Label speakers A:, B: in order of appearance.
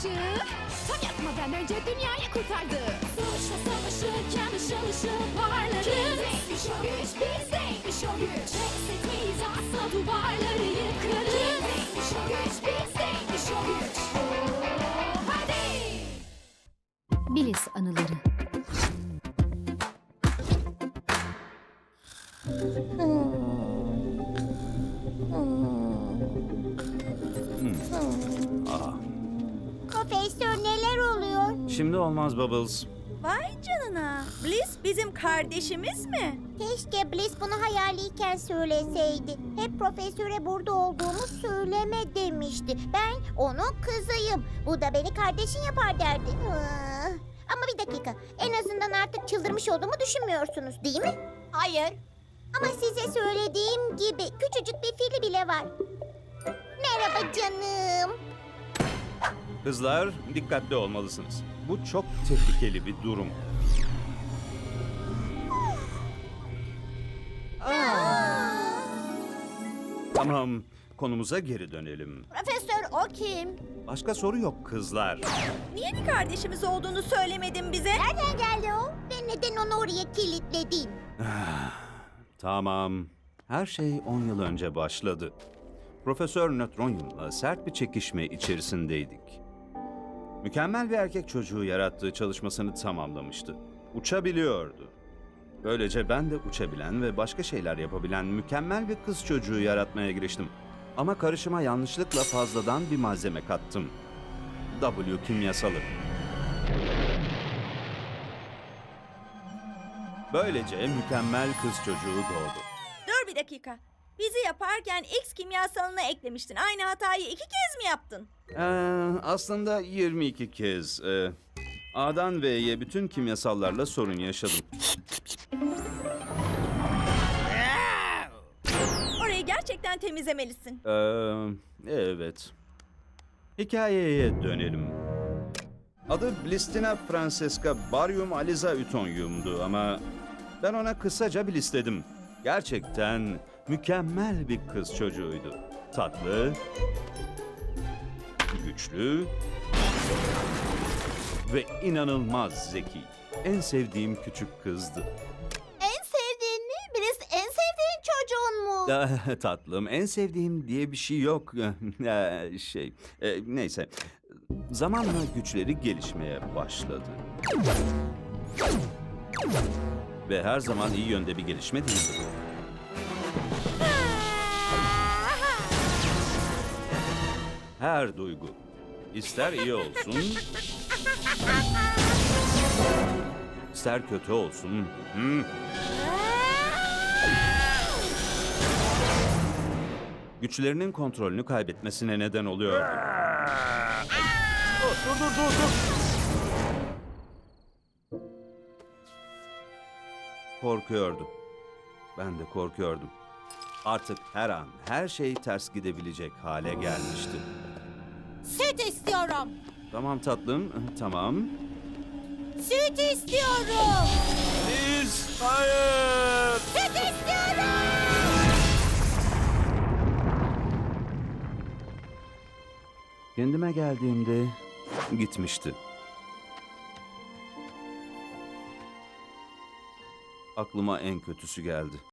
A: Tam yakmadan önce dünyayı kurtardı. Suçla savaşırken ışıl ışıl parlarız. Bizeymiş o güç, bizdeymiş o güç. Pes etmeyiz asla, duvarları yıkarız. Bizeymiş o güç, bizdeymiş o güç. Hadi!
B: Bliss anıları.
C: Profesör, neler oluyor?
D: Şimdi olmaz Bubbles.
E: Vay canına. Bliss bizim kardeşimiz mi?
C: Keşke Bliss bunu hayaliyken söyleseydi. Hep profesöre burada olduğumu söyleme demişti. Ben onun kızıyım. Bu da beni kardeşin yapar derdi. Ama bir dakika. En azından artık çıldırmış olduğumu düşünmüyorsunuz, değil mi? Hayır. Ama size söylediğim gibi küçücük bir fili bile var. Merhaba canım.
D: Kızlar, dikkatli olmalısınız. Bu çok tehlikeli bir durum. Tamam, konumuza geri dönelim.
C: Profesör, o kim?
D: Başka soru yok kızlar.
E: Niye bir kardeşimiz olduğunu söylemedin bize?
C: Nereden geldi o? Ve neden onu oraya kilitledin?
D: Tamam, her şey 10 yıl önce başladı. Profesör Nötronyum'la sert bir çekişme içerisindeydik. Mükemmel bir erkek çocuğu yarattığı çalışmasını tamamlamıştı. Uçabiliyordu. Böylece ben de uçabilen ve başka şeyler yapabilen mükemmel bir kız çocuğu yaratmaya giriştim. Ama karışıma yanlışlıkla fazladan bir malzeme kattım. W kimyasalı. Böylece mükemmel kız çocuğu doğdu.
E: Dur bir dakika. Bizi yaparken X kimyasalını eklemiştin. Aynı hatayı 2 kez mi yaptın?
D: Aslında 22 kez. A'dan V'ye bütün kimyasallarla sorun yaşadım.
E: Orayı gerçekten temizlemelisin.
D: Evet. Hikayeye dönelim. Adı Blistina Francesca Barium Aliza Ütonyum'du ama ben ona kısaca Bliss dedim. Gerçekten mükemmel bir kız çocuğuydu. Tatlı, güçlü ve inanılmaz zeki. En sevdiğim küçük kızdı.
C: En sevdiğin mi? Bliss en sevdiğin çocuğun mu?
D: Tatlım, en sevdiğim diye bir şey yok. Neyse. Zamanla güçleri gelişmeye başladı. Ve her zaman iyi yönde bir gelişme değildi. Her duygu, ister iyi olsun, ister kötü olsun, güçlerinin kontrolünü kaybetmesine neden oluyor. Dur. Korkuyordu. Ben de korkuyordum. Artık her an her şey ters gidebilecek hale gelmişti.
C: Süt istiyorum.
D: Tamam tatlım, tamam.
C: Süt istiyorum.
D: Biz, hayır!
C: Süt istiyorum.
D: Kendime geldiğimde gitmişti. Aklıma en kötüsü geldi.